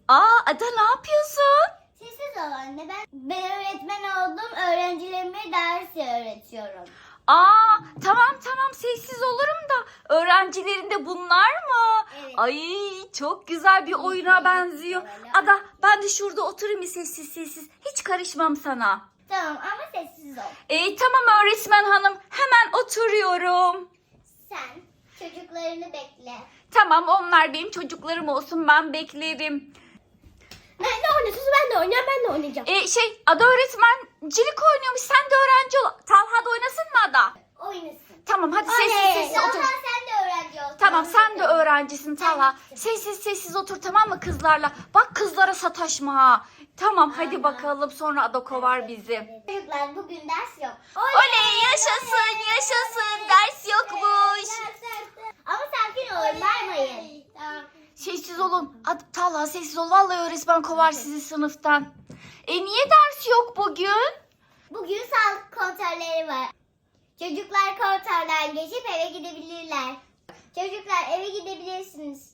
Aa Ada ne yapıyorsun? Sessiz ol anne. Ben öğretmen oldum. Öğrencilerime ders öğretiyorum. Aa tamam sessiz olurum da öğrencilerinde bunlar mı? Evet. Ay çok güzel bir oyuna benziyor. Ada ben de şurada oturayım sessiz. Hiç karışmam sana. Tamam ama sessiz ol. Tamam öğretmen hanım hemen oturuyorum. Sen çocuklarını bekle. Tamam onlar benim çocuklarım olsun ben beklerim. Ben de oynayacağım. Ben de oynayacağım. Ben de oynayacağım. Ada öğretmencilik oynuyormuş sen de öğrenci ol. Talha da oynasın mı Ada? Oynasın. Tamam hadi Oley! sessiz Talha otur. sen de öğrenci ol. Tamam sen de öğrencisin Talha. Ben de. Sessiz otur tamam mı kızlarla? Bak kızlara sataşma ha. Tamam hadi Tamam. bakalım sonra Ada kovar bizi. Çocuklar bugün ders yok. Oley yaşasın ders yokmuş. Ama sakin olun, bağırmayın. Tamam. Sessiz olun. Talha sessiz ol. Vallahi öğretmen kovar sizi sınıftan. Niye ders yok bugün? Bugün sağlık kontrolleri var. Çocuklar kontrolden geçip eve gidebilirler. Çocuklar eve gidebilirsiniz.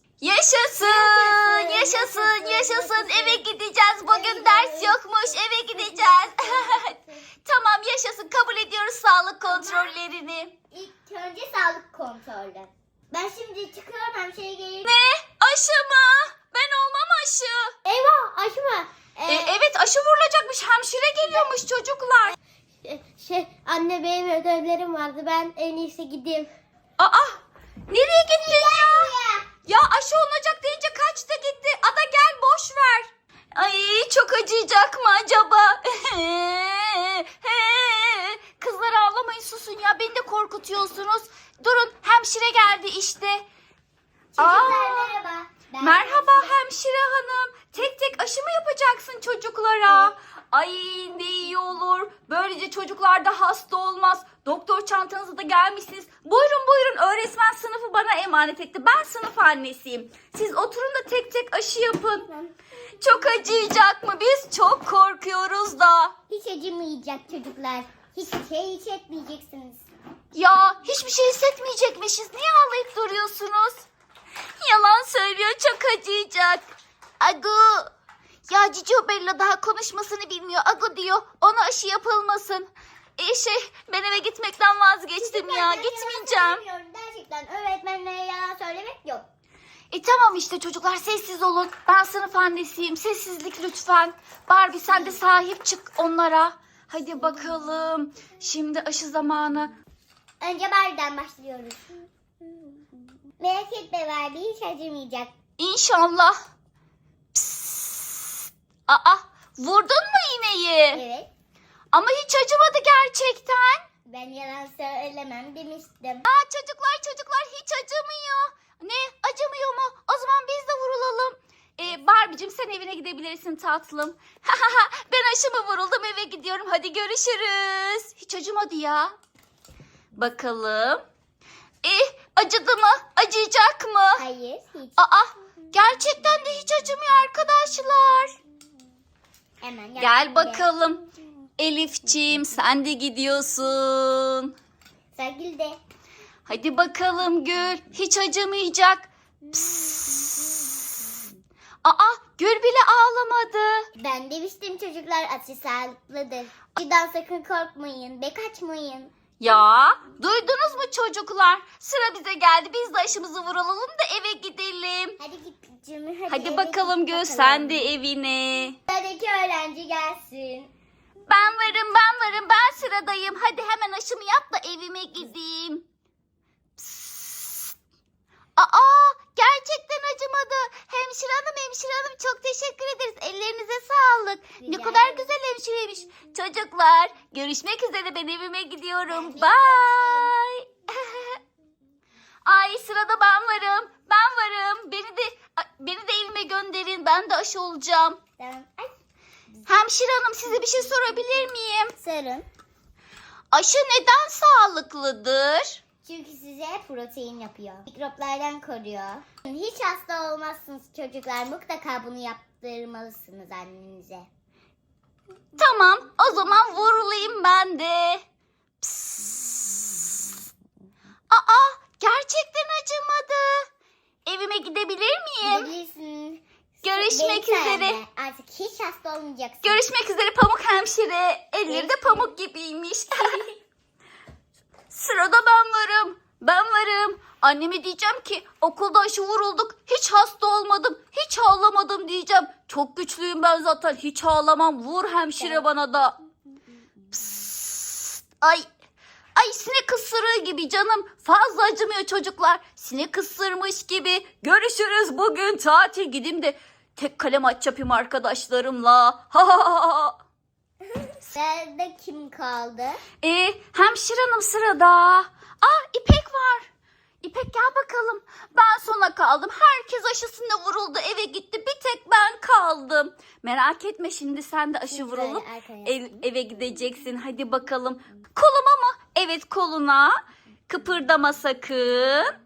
Yaşasın. Eve gideceğiz. Bugün ders yokmuş. Eve gideceğiz. Tamam yaşasın. Kabul ediyoruz sağlık kontrollerini. İlk önce sağlık kontrolü. Ben şimdi çıkıyorum, hemşire gelir. Ne? Aşı mı? Ben olmam aşı. Eyvah, aşma. Evet aşı vurulacakmış. Hemşire geliyormuş çocuklar. Anne benim ödevlerim vardı. Ben en iyisi gideyim. Aa! Nereye gittin ya? Ya aşı olacak deyince kaçtı gitti. Ada gel boş ver. Ay çok acıyacak mı acaba? Kızlar ağlamayın susun ya. Beni de korkutuyorsunuz. Durun hemşire geldi işte. Çocuklar merhaba. Merhaba hemşire hanım. Tek tek aşı mı yapacaksın çocuklara? Ay ne iyi olur. Böylece çocuklar da hasta olmaz. Doktor çantanızı da gelmişsiniz. Buyurun öğretmen sınıfı bana emanet etti. Ben sınıf annesiyim. Siz oturun da tek tek aşı yapın. Çok acıyacak mı? Biz çok korkuyoruz da. Hiç acımayacak çocuklar. Hiçbir şey hissetmeyeceksiniz. Ya hiçbir şey hissetmeyecekmişiz. Niye ağlayıp duruyorsunuz? Yalan söylüyor çok acıyacak. Agu. Ya Cicio Bella daha konuşmasını bilmiyor. Agu diyor ona aşı yapılmasın. Ben eve gitmekten vazgeçtim ya. Ben Gitmeyeceğim. yalan söylemiyorum. Gerçekten öğretmenlere yalan söylemek yok. Tamam işte çocuklar sessiz olun. Ben sınıf annesiyim. Sessizlik lütfen. Barbie sen de sahip çık onlara. Hadi bakalım. Şimdi aşı zamanı. Önce Barbie'den başlıyoruz. Merak etme Barbie, hiç acımayacak. İnşallah. Psst. Aa, vurdun mu iğneyi? Evet. Ama hiç acımadı gerçekten. Ben yalan söylemem demiştim. Çocuklar hiç acımıyor. Ne? Acımıyor mu? O zaman biz de vurulalım. Barbie'cim sen evine gidebilirsin tatlım. Ben aşımı vuruldum eve gidiyorum. Hadi görüşürüz. Hiç acımadı ya. Bakalım. Acıdı mı? Acıyacak mı? Hayır, hiç. Gerçekten de hiç acımıyor arkadaşlar. Hemen Gel bakalım. Elifciğim sen de gidiyorsun. Sergil de. Hadi bakalım Gül. Hiç acımayacak. Psst. Gül bile ağlamadı. Ben demiştim çocuklar, aşı sağlıklıdır. Birden sakın korkmayın ve kaçmayın. Ya duydunuz mu çocuklar? Sıra bize geldi. Biz de aşımızı vuralım da eve gidelim. Hadi git Cemil, Hadi eve bakalım git Gül bakalım. sen de evine. Sıradaki öğrenci gelsin. Ben varım. Ben sıradayım. Hadi hemen aşımı yap da evime gideyim. Psst. Gerçekten acımadı. Hemşire hanım çok teşekkür ederiz. Ellerinize sağlık. Ne Rica kadar ederim. güzel hemşireymiş. Çocuklar görüşmek üzere ben evime gidiyorum. Ben de Bye. Ay sırada ben varım. Beni de evime gönderin. Ben de aşı olacağım. Tamam. Ay, Hemşire hanım size bir şey sorabilir miyim? sarın. Aşı neden sağlıklıdır? Çünkü size protein yapıyor. Mikroplardan koruyor. Hiç hasta olmazsınız çocuklar. Mutlaka bunu yaptırmalısınız annenize. Tamam, o zaman vurulayım ben de. Psst. Gerçekten acımadı. Evime gidebilir miyim? Gidebilirsin. Görüşmek Benim üzere. sayemde artık hiç hasta olmayacaksın. Görüşmek üzere Pamuk hemşire. Elleri de pamuk gibiymiş. Sırada ben varım. Ben varım. Anneme diyeceğim ki okulda aşı vurulduk. Hiç hasta olmadım. Hiç ağlamadım diyeceğim. Çok güçlüyüm ben zaten. Hiç ağlamam. Vur hemşire bana da. Psst. Ay sinek ısırığı gibi canım. Fazla acımıyor çocuklar. Sinek ısırmış gibi. Görüşürüz bugün tatil. Gideyim de tek kalem aç yapayım arkadaşlarımla. Ha ha ha. Sırada kim kaldı? Hemşire hanım sırada. İpek var. İpek gel bakalım. Ben sona kaldım. Herkes aşısında vuruldu. Eve gitti. Bir tek ben kaldım. Merak etme şimdi sen de aşı vurulup eve gideceksin. Hadi bakalım. Koluma mı? Evet koluna. Kıpırdama sakın.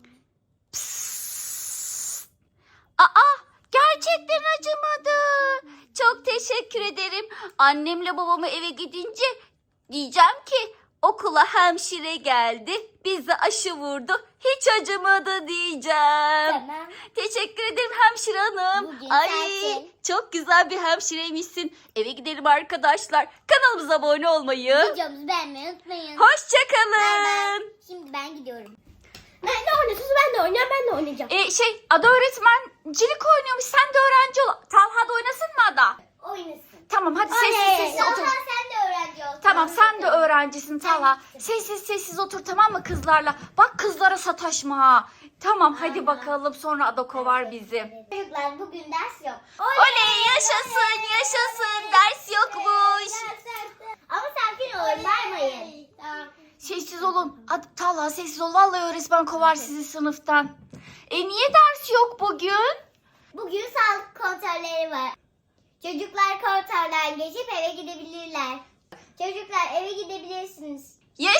Psst. Gerçekten acımadı. Çok teşekkür ederim. Annemle babamı eve gidince diyeceğim ki okula hemşire geldi. Bize aşı vurdu. Hiç acımadı diyeceğim. Tamam. Teşekkür ederim hemşire hanım. Bugün Ay tatil. çok güzel bir hemşireymişsin. Eve gidelim arkadaşlar. Kanalımıza abone olmayı. Videomuzu beğenmeyi unutmayın. Hoşçakalın. Bay bay. Şimdi ben gidiyorum. Ben de oynuyorsunuz, ben de oynayacağım, ben de oynayacağım. Ada öğretmencilik oynuyormuş. Sen de öğrenci ol. Talha da oynasın mı Ada? Oynasın. Tamam hadi Oley. sessiz Talha otur. sen de öğrenci ol. Tamam sen de öğrencisin Talha. Ben de. Sessiz otur tamam mı kızlarla? Bak kızlara sataşma ha. Tamam hadi Tamam. bakalım sonra Ada kovar bizi. Çocuklar bugün ders yok. Oley yaşasın ders yokmuş. Ama sakin olun, bağırmayın. Sessiz olun. Hadi Talha sessiz ol. Vallahi öğretmen kovar sizi sınıftan. Niye ders yok bugün? Bugün sağlık kontrolleri var. Çocuklar kontrolden geçip eve gidebilirler. Çocuklar eve gidebilirsiniz.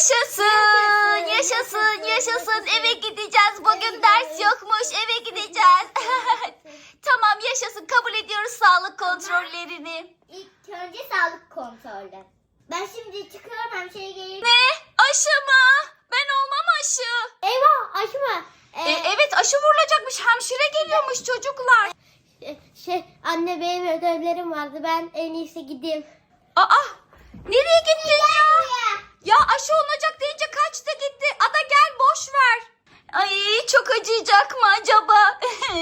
Yaşasın. Eve gideceğiz. Bugün ders yokmuş. Eve gideceğiz. Tamam yaşasın. Kabul ediyoruz sağlık kontrollerini. İlk önce sağlık kontrolü. Ben şimdi çıkıyorum, hemşire gelir. Ne? Aşı mı? Ben olmam aşı. Eyvah, aşma. Evet aşı vurulacakmış. Hemşire geliyormuş çocuklar. Anne benim ödevlerim vardı. Ben en iyisi gideyim. Nereye gittin ya? Ya aşı olacak deyince kaçtı gitti. Ada gel boş ver. Ay çok acıyacak mı acaba?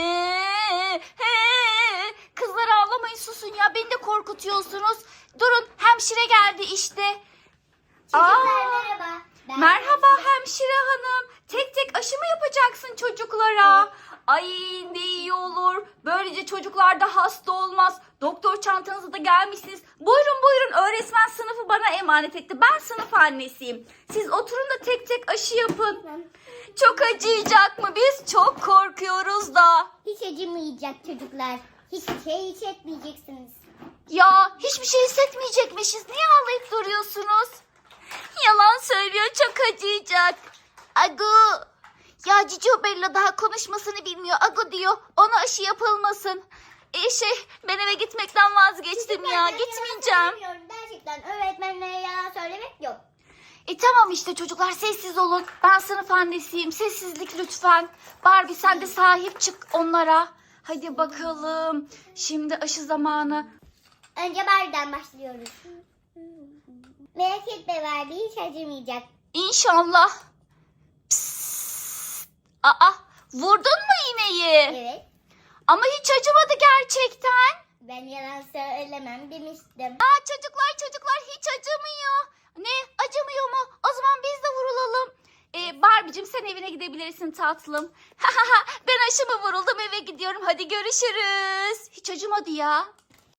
Kızlar ağlamayın susun ya. Beni de korkutuyorsunuz. Durun hemşire geldi işte. Çocuklar merhaba. Ben Merhaba hemşire hanım. Tek tek aşı mı yapacaksın çocuklara? Ay ne iyi olur. Böylece çocuklar da hasta olmaz. Doktor çantanızı da gelmişsiniz. Buyurun öğretmen sınıfı bana emanet etti. Ben sınıf annesiyim. Siz oturun da tek tek aşı yapın. Çok acıyacak mı? Biz çok korkuyoruz da. Hiç acımayacak çocuklar. Hiçbir şey hissetmeyeceksiniz. Ya hiçbir şey hissetmeyecekmişiz. Niye ağlayıp duruyorsunuz? Yalan söylüyor çok acıyacak. Agu. Ya Cicio Bella daha konuşmasını bilmiyor. Agu diyor ona aşı yapılmasın. Ben eve gitmekten vazgeçtim ya. Ben Gitmeyeceğim. yalan söylemiyorum. Gerçekten öğretmenlere yalan söylemek yok. Tamam işte çocuklar sessiz olun. Ben sınıf annesiyim. Sessizlik lütfen. Barbie sen de sahip çık onlara. Hadi bakalım. Şimdi aşı zamanı. Önce Barbie'den başlıyoruz. Merak etme Barbie, hiç acımayacak. İnşallah. Psst. Vurdun mu iğneyi? Evet. Ama hiç acımadı gerçekten. Ben yalan söylemem demiştim. Çocuklar hiç acımıyor. Ne? Acımıyor mu? O zaman biz de vurulalım. Barbie'cim sen evine gidebilirsin tatlım. Ben aşımı vuruldum eve gidiyorum. Hadi görüşürüz. Hiç acımadı ya.